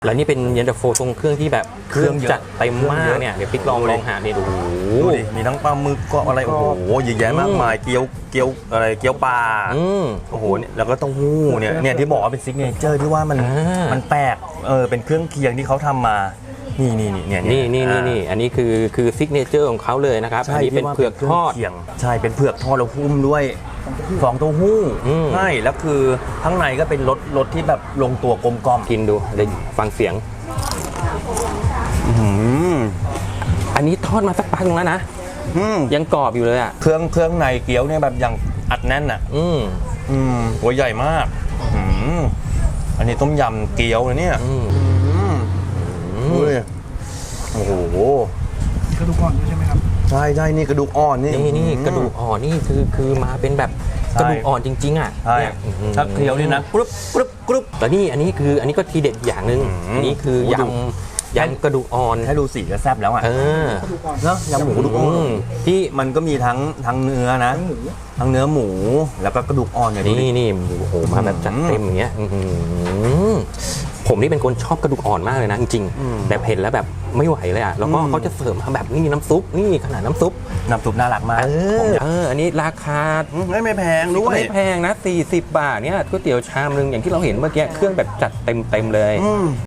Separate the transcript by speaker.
Speaker 1: แล้วนี่เป็นเย็นตาโฟทรงเครื่องที่แบบเครื่องจัดเต็มมากเนี่ยเดี๋ยวปิ๊กลองหาเนี่ยดู
Speaker 2: ดูดิมีทั้งปลาหมึกก็อะไรโอ้โหเยอะแยะมากมายเกี๊ยวอะไรเกี๊ยวปลาโอ้โหเนี่ยแล้วก็เต้าหู้เนี่ยที่บอกว่าเป็นซิกเนเจอร์ที่ว่ามันแปลกเป็นเครื่องเคียงที่เขาทำมานี่
Speaker 1: อันนี้คือซิกเนเจอร์ของเขาเลยนะครับอันนี้เป็นเผือกทอด
Speaker 2: ใช่เป็นเผือกทอดแล้วหุ้มด้วยฟองเต้าหู้ใช่แล้วคือข้างในก็เป็นรสที่แบบลงตัวกลมกล่อม
Speaker 1: กินดูเดี๋ยวฟังเสียงอันนี้ทอดมาสักพักนึงแล้วนะยังกรอบอยู่เลยอ่ะ
Speaker 2: เครื่องในเกี๊ยวเนี่ยแบบยังอัดแน่นอ่ะหัวใหญ่มากอันนี้ต้มยำเกี๊ยวนะเนี่ยโอ้โห
Speaker 3: กระดูกอ่อนด้วยใช่ไหมครับ
Speaker 2: ใช่นี่กระดูกอ่อนนี่
Speaker 1: กระดูกอ่อนนี่คือมาเป็นแบบกระดูกอ่อนจริงๆอ่ะ
Speaker 2: ถ้าเคี้ยวนี่นะกรุบ
Speaker 1: แต่นี่อันนี้ก็ทีเด็ดอย่างนึงอันนี้คือยำกระดูกอ่อน
Speaker 2: ให้ดูสีก็แซ่บแล้วอ่ะเนาะยำหมูกระดูกอ่อนที่มันก็มีทั้งเนื้อนะทั้งเนื้อหมูแล้วก็กระดูกอ่อนอย่างนี้
Speaker 1: นี่โอ้โหมาแบบจัดเต็มอย่างเงี้ยผมนี่เป็นคนชอบกระดูกอ่อนมากเลยนะจริงๆแต่เห็นแล้วแบบไม่ไหวเลยอ่ะแล้วก็เขาจะเสิร์ฟมาแบบนี่น้ำซุปนี่ขนาดน้ำซุป
Speaker 2: น่ารักมาก
Speaker 1: อันนี้ราคา
Speaker 2: ไม่แพงด้วย
Speaker 1: ไม่แพงนะ40 บาทเนี่ยก๋วยเตี๋ยวชามนึงอย่างที่เราเห็นเมื่อกี้เครื่องแบบจัดเต็มเลย